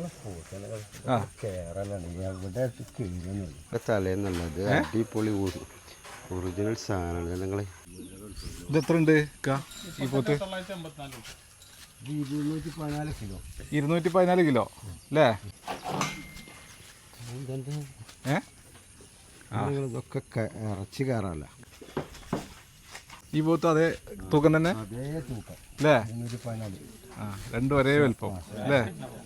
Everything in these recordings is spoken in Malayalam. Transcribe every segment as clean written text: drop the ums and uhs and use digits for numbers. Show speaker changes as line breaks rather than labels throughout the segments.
തലേന്നുള്ളത് അടിപൊളി ഒറിജിനൽ സാധനമാണ് ഞങ്ങളെ.
ഇത് എത്ര ഉണ്ട് ഈ പോത്ത്? 214 കിലോ അല്ലേ?
ഇതൊക്കെ ഇറച്ചി കയറല്ല.
ഈ പോത്ത് അതേ തൂക്കം തന്നെ അല്ലേ? ആ, രണ്ടും ഒരേ വലുപ്പം അല്ലേ?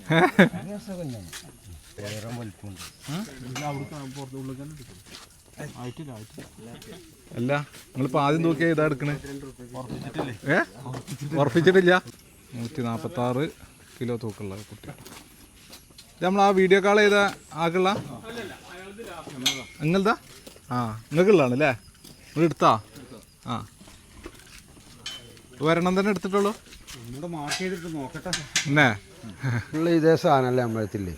അല്ല, നിങ്ങളിപ്പോൾ ആദ്യം തൂക്കിയ ഇതാ എടുക്കണേ? ഉറപ്പിച്ചിട്ടില്ല. 146 കിലോ തൂക്കമുള്ള കുട്ടി. ഇത് നമ്മൾ ആ വീഡിയോ കോൾ ചെയ്ത ആക്കുള്ള നിങ്ങളതാ? ആ, നിങ്ങൾക്കുള്ളതാണ് അല്ലേ? നിങ്ങൾ എടുത്താ? ആ, ഒരെണ്ണം തന്നെ എടുത്തിട്ടുള്ളൂ. എന്നേ
ഇതേ സാധനമല്ലേ നമ്മളെത്തില്ലേ?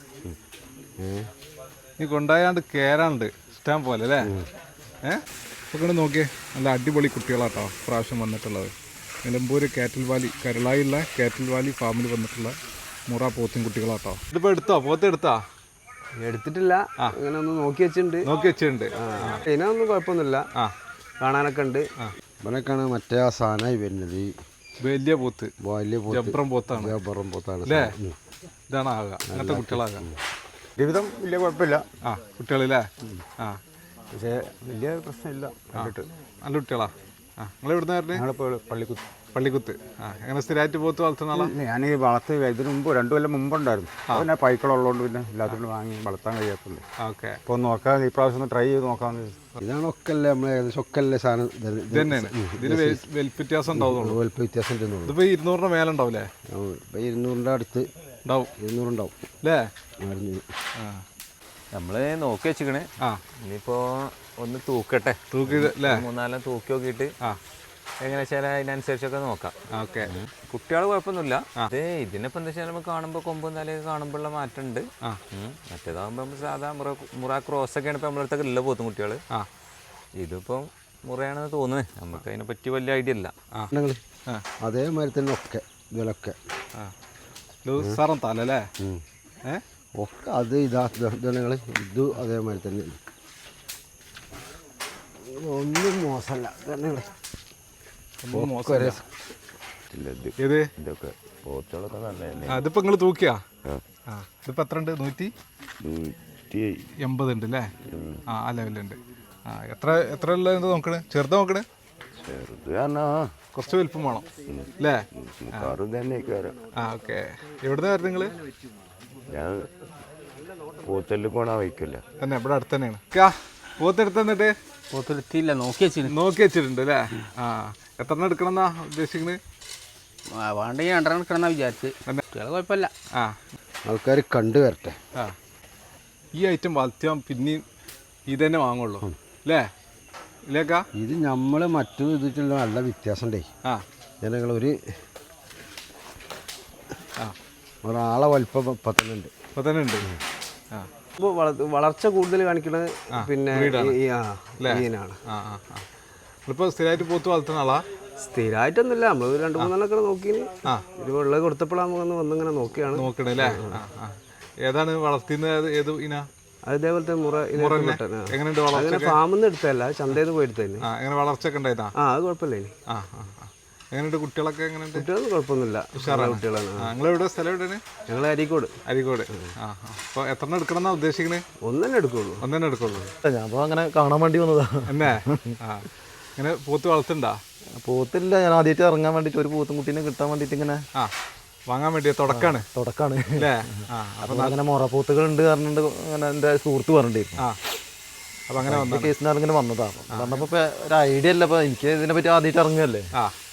നീ കൊണ്ടായാണ്ട് കേറാണ്ട് ഇഷ്ടം പോലെ അല്ലേ? ഇപ്പൊ നോക്കിയേ, നല്ല അടിപൊളി കുട്ടികളാട്ടോ പ്രാവശ്യം വന്നിട്ടുള്ളത്. നിലമ്പൂര് കാറ്റൽ വാലി, കരളായുള്ള കാറ്റൽ വാലി ഫാമിൽ വന്നിട്ടുള്ള മുറ പോത്തിൻ കുട്ടികളാട്ടോ. ഇതിപ്പോ എടുത്തോ? പോത്ത് എടുത്താ?
എടുത്തിട്ടില്ല, അങ്ങനെ ഒന്ന് നോക്കി വെച്ചിട്ടുണ്ട്.
ഇതിനൊന്നും
കുഴപ്പമൊന്നുമില്ല, കാണാനൊക്കെ ഉണ്ട്. ഇവനൊക്കെയാണ് മറ്റേ ആ സാധനമായി വരുന്നത്.
വലിയ പോത്ത്,
ജബ്രം
പോത്താണ്
അല്ലേ?
ഇതാണ് ആകുക, അങ്ങനത്തെ കുട്ടികളാകാം.
ജീവിതം വലിയ കുഴപ്പമില്ല.
ആ, കുട്ടികളില്ലേ? ആ,
പക്ഷേ വലിയ പ്രശ്നമില്ല.
നല്ല കുട്ടികളാ. ആ, നിങ്ങൾ എവിടുന്ന
ഞങ്ങളിപ്പോൾ
പള്ളിക്കുത്ത്. ആ, എങ്ങനെ സ്ഥിരമായിട്ട് പോത്ത് വളർത്തുന്ന ആളാ?
ഞാൻ ഈ വളർത്ത് ഇതിന് മുമ്പ് 2 കൊല്ലം മുമ്പുണ്ടായിരുന്നു. പിന്നെ പൈക്കളുള്ളതുകൊണ്ട് പിന്നെ എല്ലാത്തിനും വാങ്ങി വളർത്താൻ കഴിയാത്തുള്ളൂ.
ഓക്കെ,
അപ്പോൾ നോക്കാം, ഈ പ്രാവശ്യം ഒന്ന് ട്രൈ ചെയ്ത് നോക്കാമെന്ന്. ഇതാണ് ഒക്കല്ലേ നമ്മൾ ഏകദേശം ഒക്കല്ലേ സാധനം
ഇത് തന്നെയാണ്. ഇതിന് വലിപ്പ വ്യത്യാസം ഉണ്ടാവുന്നുള്ളൂ.
വലിപ്പ വ്യത്യാസം ഉണ്ടെന്നുള്ളൂ.
ഇതിപ്പോൾ 200 മേലെ ഉണ്ടാവില്ലേ?
ഇപ്പോൾ 200 അടുത്ത്
ഉണ്ടാവും.
200 ഉണ്ടാവും
അല്ലേ?
നമ്മൾ നോക്കി വെച്ചിക്കണേ. ഇനിയിപ്പോൾ ഒന്ന് തൂക്കട്ടെ,
തൂക്കി
3-4 തൂക്കി നോക്കിയിട്ട് എങ്ങനെ വെച്ചാൽ അതിനനുസരിച്ചൊക്കെ നോക്കാം.
ഓക്കെ,
കുട്ടികൾ കുഴപ്പമൊന്നുമില്ല. അതെ, ഇതിനിപ്പോൾ എന്താ വെച്ചാൽ നമുക്ക് കാണുമ്പോൾ കൊമ്പും തലയൊക്കെ കാണുമ്പോഴുള്ള മാറ്റമുണ്ട്. മറ്റേതാകുമ്പോൾ നമ്മൾ സാധാ മുറ ക്രോസൊക്കെയാണ് ഇപ്പോൾ നമ്മളടുത്തൊക്കെ ഉള്ള പോത്തും കുട്ടികൾ. ഇതിപ്പം മുറയാണെന്ന് തോന്നുന്നത്. നമുക്ക് അതിനെ പറ്റി വലിയ ഐഡിയ ഇല്ല.
അതേമാതിരി തന്നെ ഒക്കെ ഇതിലൊക്കെ
തല അല്ലേ?
ഒക്കെ അത് ഇതാങ്ങൾ ഇത് അതേമാതിരി തന്നെ ഒന്നും മോശമല്ല.
ഇതിപ്പോ നിങ്ങൾ തൂക്കിയാ? ഇതിപ്പോ എത്ര ഉണ്ട്? 180 ഉണ്ട് അല്ലേ? ആ, ആ ലെവലുണ്ട്. ആ, എത്ര ഉള്ളത് നോക്കണേ? ചെറുത് നോക്കണേ? കുറച്ച് വലുപ്പം വേണം അല്ലേ? ആ, ഓക്കെ. എവിടുന്ന് വരുന്നത് നിങ്ങള്? തന്നെ ഇവിടെ അടുത്ത് തന്നെയാണ്. പോത്തെടുത്ത് തന്നിട്ട്
പോത്തെടുത്തില്ല, നോക്കി
വെച്ചിട്ടുണ്ട് അല്ലേ? ആ, എത്ര എടുക്കണം എന്നാ ഉദ്ദേശിക്കുന്നത്?
വേണ്ടെങ്കിൽ 2 എടുക്കണം വിചാരിച്ച്. കുഴപ്പമില്ല.
ആ,
ആൾക്കാർ കണ്ടു വരട്ടെ.
ആ, ഈ ഐറ്റം വളർത്തിയാൽ പിന്നെയും ഇത് തന്നെ വാങ്ങുള്ളൂ അല്ലേ? ഇല്ലേക്കാ?
ഇത് നമ്മൾ മറ്റു ഇതിട്ടുള്ള നല്ല വ്യത്യാസം ഉണ്ടേ. ജനങ്ങളൊരു ഒരാളെ വലിപ്പം ഇപ്പം തന്നെ ഉണ്ട്. വളർച്ച കൂടുതൽ കാണിക്കുന്നത് പിന്നെ
ഇപ്പോൾ സ്ഥിരമായിട്ട് പോത്ത് വളർത്തുന്ന ആളാ?
സ്ഥിരമായിട്ടൊന്നുമില്ല, നമ്മൾ 2-3 നോക്കി ഇത് വെള്ളം കൊടുത്തപ്പോഴാണ് വന്നിങ്ങനെ നോക്കണേ
അല്ലേ? ഏതാണ് വളർത്തുന്നത്? ഏത് ഇന?
അതേപോലത്തെ
എങ്ങനെയുണ്ട്?
അങ്ങനെ ഫാമിൽ നിന്ന് എടുത്തല്ല, ചന്തയിൽ നിന്ന് പോയി എടുത്തല്ലേ.
എങ്ങനെ വളർച്ചയൊക്കെ ഉണ്ടായതാ?
അത് കുഴപ്പമില്ല.
എങ്ങനെയുണ്ട് കുട്ടികളൊക്കെ? എങ്ങനെയുണ്ട്?
കുട്ടികളൊന്നും കുഴപ്പമൊന്നുമില്ല, കുട്ടികളാണ്.
നിങ്ങളെവിടെ സ്ഥലം? എവിടെയാണ്?
ഞങ്ങൾ അരീക്കോട്.
അപ്പോൾ എത്ര എടുക്കണം എന്നാ ഉദ്ദേശിക്കണേ?
ഒന്നെ എടുക്കുള്ളൂ.
ഞാൻ
അപ്പോൾ അങ്ങനെ കാണാൻ വേണ്ടി വന്നതാ.
എന്നെ ഇങ്ങനെ പോത്ത് വളർത്തുണ്ടാ?
പോത്തില്ല, ഞാൻ ആദ്യമായിട്ട് ഇറങ്ങാൻ വേണ്ടിയിട്ട് ഒരു പോത്തും കുട്ടീനെ കിട്ടാൻ വേണ്ടിയിട്ട് ഇങ്ങനെ
വാങ്ങാൻ വേണ്ടിയ തുടക്കാണ് അല്ലേ?
അപ്പം അങ്ങനെ മുറപ്പോത്തുകൾ ഉണ്ട് പറഞ്ഞിട്ട് അങ്ങനെ എൻ്റെ സുഹൃത്ത് പറഞ്ഞിട്ടുണ്ടായിരുന്നു.
അപ്പം അങ്ങനെ
കേസിനാണ് ഇങ്ങനെ വന്നതാണ്. പറഞ്ഞപ്പോൾ ഒരു ഐഡിയ അല്ല, അപ്പോൾ എനിക്ക് ഇതിനെ പറ്റി ആദ്യമായിട്ട് ഇറങ്ങുകയല്ലേ.